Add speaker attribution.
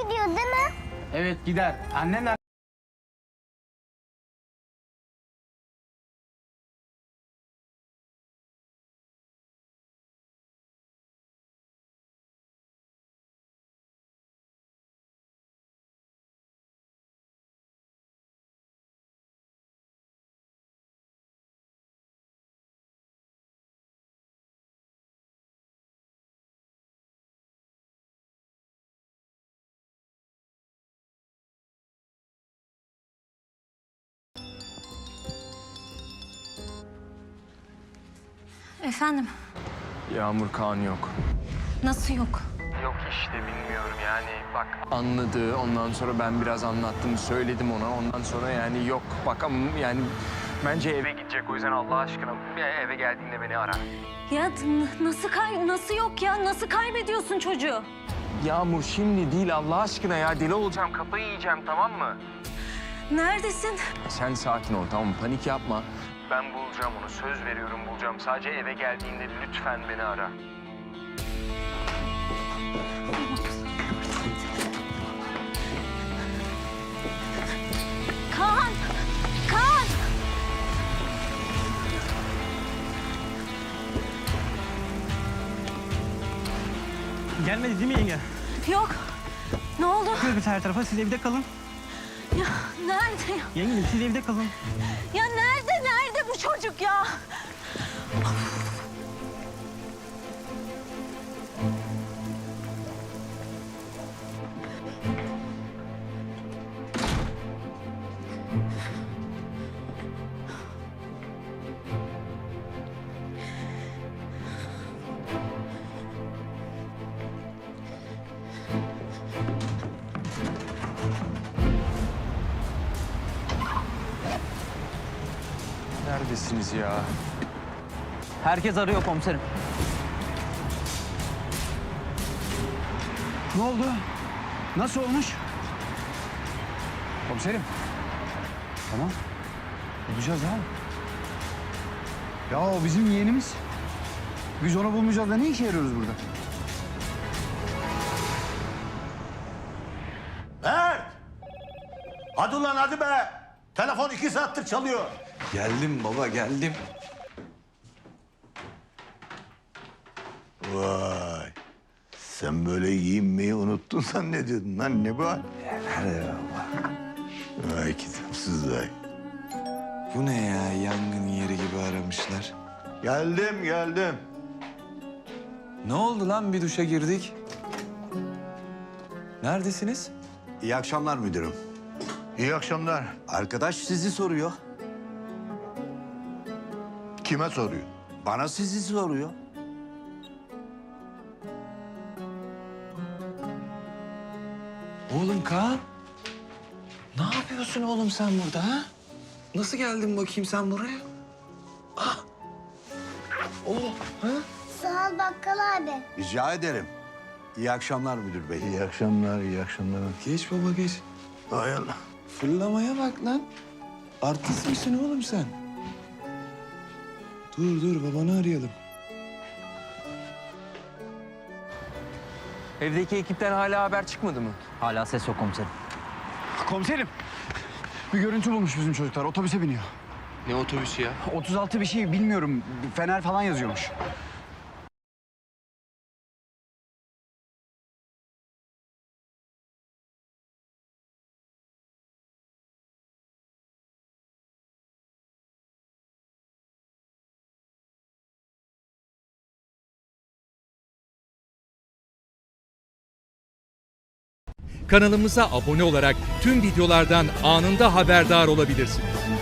Speaker 1: gidiyor değil mi?
Speaker 2: Evet gider. Annenler...
Speaker 3: Efendim,
Speaker 4: Yağmur Kaan yok.
Speaker 3: nasıl yok?
Speaker 4: Yok işte bilmiyorum yani bak. Anladı ondan sonra ben biraz anlattım söyledim ona ondan sonra yani yok bak ama yani bence eve gidecek o yüzden Allah aşkına eve geldiğinde beni ara.
Speaker 3: Ya nasıl yok ya? Nasıl kaybediyorsun çocuğu?
Speaker 4: Yağmur şimdi değil Allah aşkına ya deli olacağım kafayı yiyeceğim tamam mı?
Speaker 3: Neredesin?
Speaker 4: Sen sakin ol tamam mı panik yapma. Ben bulacağım onu söz veriyorum bulacağım sadece eve geldiğinde lütfen beni ara.
Speaker 3: Kaan! Kaan!
Speaker 2: Gelmedi değil mi yenge?
Speaker 3: Yok. Ne oldu?
Speaker 2: Biz her tarafa, siz evde kalın.
Speaker 3: Ya nerede ya?
Speaker 2: Yenge siz evde kalın.
Speaker 3: Ya nerede bu çocuk ya?
Speaker 4: Neredesiniz ya?
Speaker 2: Herkes arıyor komiserim. Ne oldu? Nasıl olmuş? Komiserim. Tamam. Bulacağız ha. Ya o bizim yeğenimiz. Biz onu bulmayacağız da ne işe yarıyoruz burada?
Speaker 5: Mert! Hadi ulan hadi be! Telefon 2 saattir çalıyor.
Speaker 6: Geldim baba, geldim.
Speaker 5: Vay! Sen böyle giyinmeyi unuttun zannediyordun lan ne bu hal? Vay kitapsız vay.
Speaker 6: Bu ne ya? Yangın yeri gibi aramışlar.
Speaker 5: Geldim.
Speaker 6: Ne oldu lan? Bir duşa girdik. Neredesiniz?
Speaker 7: İyi akşamlar müdürüm.
Speaker 5: İyi akşamlar.
Speaker 7: Arkadaş sizi soruyor.
Speaker 5: Kime soruyor?
Speaker 7: Bana sizi soruyor.
Speaker 6: Oğlum Kaan. Ne yapıyorsun oğlum sen burada ha? Nasıl geldin bakayım sen buraya? Ah. Oh, ha?
Speaker 1: Sağ ol bakkal abi.
Speaker 7: Rica ederim. İyi akşamlar müdür bey.
Speaker 5: İyi akşamlar.
Speaker 6: Geç baba geç.
Speaker 5: Hay Allah.
Speaker 6: Fırlamaya bak lan. Artist misin oğlum sen? Dur babanı arayalım.
Speaker 4: Evdeki ekipten hala haber çıkmadı mı?
Speaker 2: Hala ses yok komiserim. Komiserim. Bir görüntü bulmuş bizim çocuklar. Otobüse biniyor.
Speaker 4: Ne otobüsü ya?
Speaker 2: 36 bir şey bilmiyorum. Fener falan yazıyormuş.
Speaker 8: Kanalımıza abone olarak tüm videolardan anında haberdar olabilirsiniz.